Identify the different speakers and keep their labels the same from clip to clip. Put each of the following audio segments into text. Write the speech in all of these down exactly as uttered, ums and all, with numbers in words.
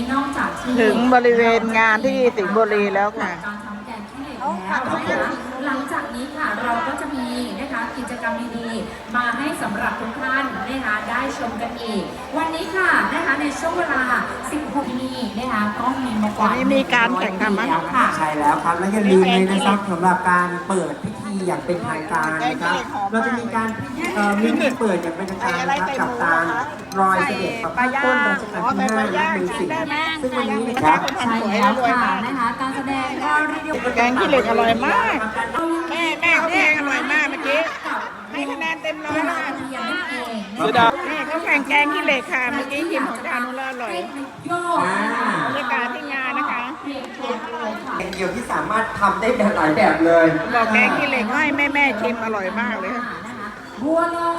Speaker 1: นอกจากที่
Speaker 2: ถึงบริเวณงานที่สิงห์บุรีแล้วค่ะ
Speaker 1: การทำแกงขี้เหล็กแล้วนะคะหลังจากนี้ค่ะเราก็จะมีนะคะกิจกรรมดีๆมาให้สำหรับทุกท่านนะคะได้ชมกันอีกวันนี้ค่ะนะคะในช่วงเวลา สิบหก นาทีนะคะก็มีมากกว่า
Speaker 2: วันนี้มีการแข่งขันมั้ย
Speaker 1: ค่ะ
Speaker 3: ใช่แล้วครับและอย่าลืมเลยนะครับสำหรับการเปิดพิธีอย่างเป็นทางการนะครับเราจะมีการเอ่อมีพิธีเปิดอย่างเป็นทางการนะครับกับการรอยเสด็จประพาสต้นรัชกาลที่ห้าและเป็นสิ่งซึ่งวันนี้นะครับ
Speaker 1: ใช่แล้วค่ะนะคะการแสดงก็เรียกว่า
Speaker 2: แกงขี้เหล็กอร่อยมาก แม่แม่เขาแกงอร่อยมากเมื่อกี้ให้คะแนนเต็มร้อยแล้วค่ะ
Speaker 1: เสียดา
Speaker 2: นี่เขาแข่งแกงขี้เหล็กค่ะเมื่อกี้ชิมของจานุแล้วอร่อย
Speaker 3: อ่า
Speaker 2: บรรยากาศที่งานนะคะ
Speaker 3: เป็นเดียวที่สามารถทำได้แบบหลายแบบเลย
Speaker 2: บอกแกงขี้เหล็กให้แม่แม่ชิมอร่อยมากเลยค่ะ
Speaker 1: บัวลอย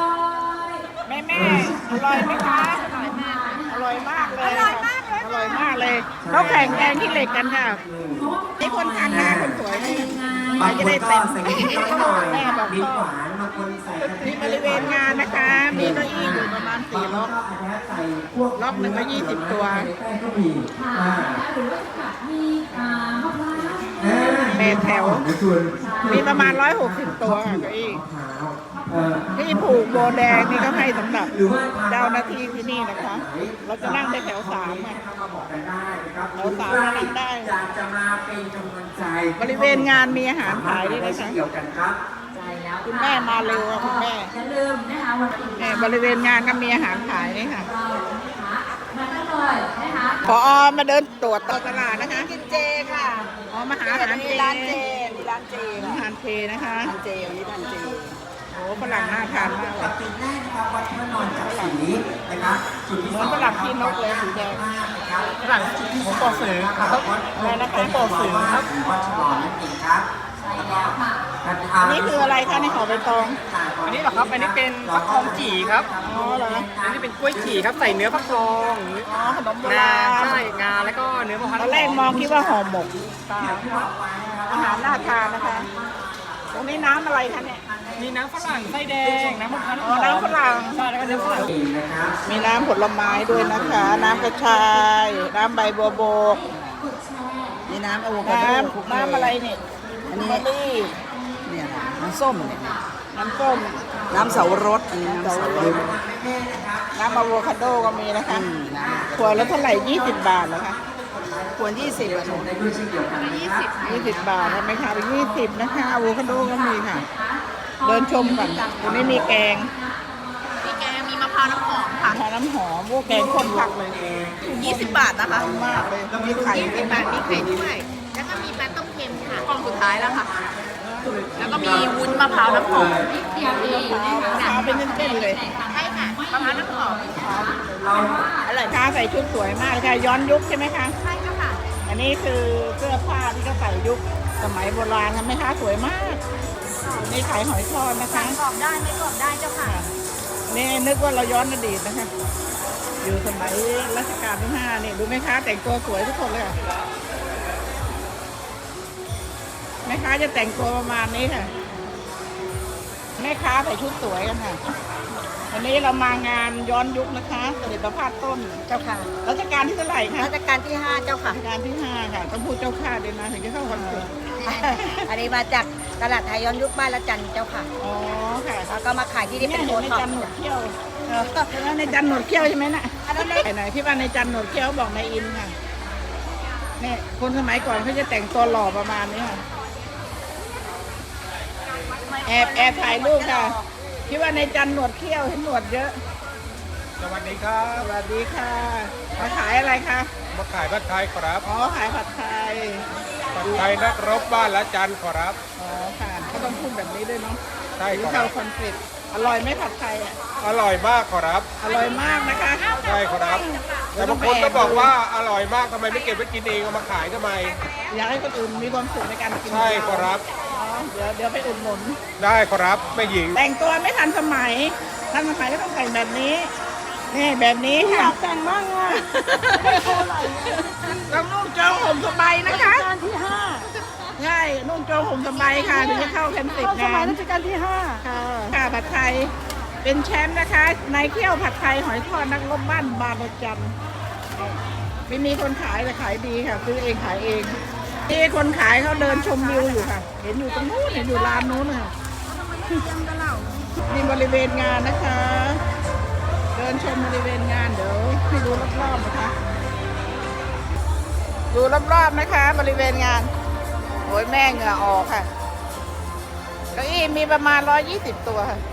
Speaker 2: แม่แม่อร่อยไหมคะอร่อยมากเลยอร่อยมากเลยอร่อยมากเลยเขาแข่งแกงขี้เหล็กกันค่ะนี่คนทานนะคนสวยนี่
Speaker 3: บางคน
Speaker 2: จะได้
Speaker 3: ก็
Speaker 2: เต็ม
Speaker 3: ใส่กะทิน้อยหน่อย
Speaker 2: แม่บอก
Speaker 3: มี
Speaker 2: ช
Speaker 3: ห
Speaker 2: อบ
Speaker 3: วานบางคนใส่กะทิ
Speaker 2: ที่บริเวณงานนะคะ มีเก้าอี้อยู่ประมาณสี่ล็อก
Speaker 3: บางคนก็อาจจะใส่พวก
Speaker 2: ล็อกหนึ่งก็ยี่สิบตัว
Speaker 3: ใส่แป้งก็มี
Speaker 1: ค่ะ
Speaker 3: อ่า
Speaker 1: หรือว่าจะแบบมีอ่ามะพร้าว
Speaker 3: อ่า
Speaker 2: แปดแถว มีประมาณร้อยหกสิบตัวค่ะเก้าอี้
Speaker 3: มะพร้าวเอ่อ
Speaker 2: ที่ผูกโบแดงนี่ก็ให้สำหรับ
Speaker 3: หรือว่า
Speaker 2: เจ้าหน้าที่ที่นี่นะคะ เราจะนั่งได้แถวสามอ่ะ
Speaker 3: มาบอกกันได้นะครับ
Speaker 2: แถวสามนั่งได้
Speaker 3: อยากจะมาเป็นกำลังใจ
Speaker 2: บริเวณงานมีอาหารขายด้วยนะคะ
Speaker 3: เกี่ยวกันครับ
Speaker 1: ใช่แล้ว
Speaker 2: คุณแม่มาเร็วอะคุณแม่
Speaker 1: อย่าลืมนะคะวันอื่น
Speaker 2: เนี่ยบริเวณงานก็มีอาหารขายนี่ค่ะ
Speaker 1: เรานะคะมาได้เลยนะคะ
Speaker 2: พอมาเดินตรวจตลาดนะคะ
Speaker 4: กินเจค่ะ
Speaker 2: อ๋อมาหาอาหารเจ
Speaker 4: ร้านเจมีร้านเจ
Speaker 2: อา
Speaker 4: ค่ะ
Speaker 2: หารเจนะคะ
Speaker 4: ร้านเจวันนี้ร้านเจ
Speaker 2: โอ้ฝรั่งน่าทานมากเล
Speaker 3: ปั
Speaker 2: ย
Speaker 3: จจุบันแรกนะครับวัดพระนอนจากสีนะครับจุดที่
Speaker 2: เห
Speaker 3: ส
Speaker 2: มือ
Speaker 3: อน ง
Speaker 2: ฝรั่งที่นกเลยสีแดง
Speaker 3: นะครับ
Speaker 5: ฝรั่งผมปอสื่อครับ
Speaker 2: อะไรนะคะ
Speaker 5: ผมปอสื่อครับ
Speaker 3: วัดฉลองนั่นเองครับ
Speaker 1: ใช่แล้วค่ะ
Speaker 2: นี่คืออะไรคะในห่อใบตอง
Speaker 5: อันนี้เหรอครับ อันนี้เป็นฟักทองจี่ครับ
Speaker 2: อ๋อเหรอ
Speaker 5: อันนี้เป็นกล้วยจี่ครับ ใส่เนื้อฟักทอง
Speaker 2: อ๋อขนมโบ
Speaker 5: งา
Speaker 2: ราณ
Speaker 5: ใช่งาแล้วก็เนื้อมะพร้าว
Speaker 2: ตอนแรกมองคิดว่าห่อหมกอาหารน่าทานนะคะ ตรงนี้น้ำอะไรคะเนี่ย
Speaker 5: มีน้ำฝรั่งไส้แดง น้ำมะพร้าว
Speaker 2: อ๋อน้ำฝรั่ง
Speaker 5: ใช่แล้วก็เนื้อฝรั่ง
Speaker 3: นะครับ
Speaker 2: มีน้ำผลไม้ด้วยนะคะ น้ำกระชาย น้ำใบบัวบก
Speaker 4: นี่น้ำอะโวคาโด
Speaker 2: น้ำน้ำอะไรเนี่ย
Speaker 4: อันนี้
Speaker 2: มะลิ
Speaker 4: เนี่ยค่ะน้ำส้มเนี่ย
Speaker 2: น้ำส้ม
Speaker 4: น้ำเสาวรสอันนี้น้ำเสาวรส
Speaker 2: น้ำอะโวคาโดก็มีนะคะ
Speaker 4: อืมน้
Speaker 2: ขวดละเท่าไหร่ยี่สิบบาทเหรอคะ
Speaker 4: ำควรยี่สิบอะหนู
Speaker 3: ได้ด้วยเช่นเดียวกันนะครับ
Speaker 2: ยี่สิบบาททำไมคะยี่สิบนะคะอะโวคาโดก็มีค่ะ เดินชมก่อนตรงนี้มีแกง
Speaker 4: มีแกงมีมะพร้าวน้ำหอมค่ะ
Speaker 2: ทาน้ำหอมพวกแกงข้นผักเลย
Speaker 4: ยี่สิบบาทนะคะ
Speaker 2: มากเลยมีไข่ด้วยนะ
Speaker 4: มีไข่ด้วยแล้วก็มีปลาต้มเค็มค่ะกล่องสุดท้ายแล้วค่ะ แล้วก็มีวุ้นมะพร้าวน้ำหอม
Speaker 1: เดียวเองนะ
Speaker 2: มะพ
Speaker 1: คะ
Speaker 2: ร้าวเป็นเส้นๆเลย
Speaker 4: ใช่ค่ะมะพร้าวน้ำหอม
Speaker 2: อร่อยค่ะใส่ชุดสวยมากเลยค่ะย้อนยุคใช่ไหมคะ
Speaker 4: ใช่เจ้าค่ะ
Speaker 2: อันนี้คือเสื้อผ้าที่เขาใส่ยุคสมัยโบราณทำไหมคะสวยมากนี่ขายหอยทอดนะคะ
Speaker 4: กรอบได้ไม่กรอบได้เจ้าค่ะ
Speaker 2: นี่นึกว่าเราย้อนอดีตนะคะ อยู่สมัยรัชกาลที่ห้านี่ดูไหมคะแต่งตัวสวยทุกคนเลยค่ะแม่ค้าจะแต่งตัวประมาณนี้ค่ะแม่ค้าใส่ชุดสวยกันค่ะวันนี้เรามางานย้อนยุคนะคะเสด็จประพาสต้น
Speaker 4: เจ้าค่ะ
Speaker 2: รัชกาลที่เท่าไหร่คะ
Speaker 4: รัชกาลที่ห้าเจ้าค่ะ
Speaker 2: รัชกาลที่ห้าค่ะต้องพูดเจ้าข้าด้วยนะถึงจะเข้าคอนเสิร์ต
Speaker 4: อันนี้มาจากตลาดไทยย้อนยุคบ้านละจันเจ้าค่ะ
Speaker 2: อ๋อค่ะ
Speaker 4: แล้วก็มาขายที่นี่
Speaker 2: นี่
Speaker 4: เป็น
Speaker 2: เห็
Speaker 4: โอน
Speaker 2: ใน
Speaker 4: ท็อป
Speaker 2: จันหนวดเขี้ยวใช่ไหมในจันหนวดเขี้ยวใช่ไหมน่ะไหนที่ว่าในจันหนวดเขี้ยวบอกในอินค่ะเนี่ยคนสมัยก่อนเขาจะแต่งตัวหล่อประมาณนี้ค่ะแอบแอบถ่ายรูปค่ะคิดว่าในจันหนวดเขี้ยวเห็นหนวดเยอะ
Speaker 5: สวัสดีครับ
Speaker 2: สวัสดีค่ะมาขายอะไรคะ
Speaker 5: มาขายผัดไทยครับ
Speaker 2: อ๋อขายผัดไทย
Speaker 5: ผัดไทยนักรบบ้านละจันครับ
Speaker 2: อ๋อค่ะเขาต้องพูดแบบนี้ด้วยเนาะ
Speaker 5: ใช่
Speaker 2: หรือ
Speaker 5: ครั
Speaker 2: เข้า
Speaker 5: บ
Speaker 2: คอนฟ lict อร่อยไหมผัดไทยอ่ะ
Speaker 5: อร่อยมากครับ
Speaker 2: อร่อยมากนะคะ
Speaker 5: ใช่ครับ แต่บางคนก็บอกว่าอร่อยมากทำไมไม่เก็บไว้กินเองเอามาขายทำไม
Speaker 2: อยากให้คนอื่นมีความสุขในการกิน
Speaker 5: ใช่ครับ
Speaker 2: อ๋อเดี๋ยวเดี๋ยวไปอุดหนุน
Speaker 5: ได้ครับแม่หญิง
Speaker 2: แต่งตัวไม่ทันสมัย ทันสมัยก็ต้องแต่งแบบนี้ นี่แบบนี้ค่ะแต่งบ้างอ่ะต้องนุ่งโจงห่มสบายนะคะรัชกาลที่ห้าใช่นุ่งโจงห่มสบายค่ะถึงจะเข้าแคมป์ติดงานสมัยรัชกาลที่ห้าค่ะค่ะผัดไทยเป็นแชมป์นะคะนายเขี้ยวผัดไทยหอยทอดนักรบบ้านบางระจันไม่มีคนขายแต่ขายดีค่ะซื้อเองขายเองนี่คนขายเขาเดินชมวิวอยู่ค่ะ เห็นอยู่ตรงนู้นเห็นอยู่ลานนู้นค่ะนี่บริเวณงานนะคะ เดินชมบริเวณงานเดี๋ยวให้ดูรอบๆนะคะดูรอบๆนะคะ บริเวณงานโอ้ยแม่เหงื่อออกค่ะเก้าอี้มีประมาณร้อยยี่สิบตัวค่ะ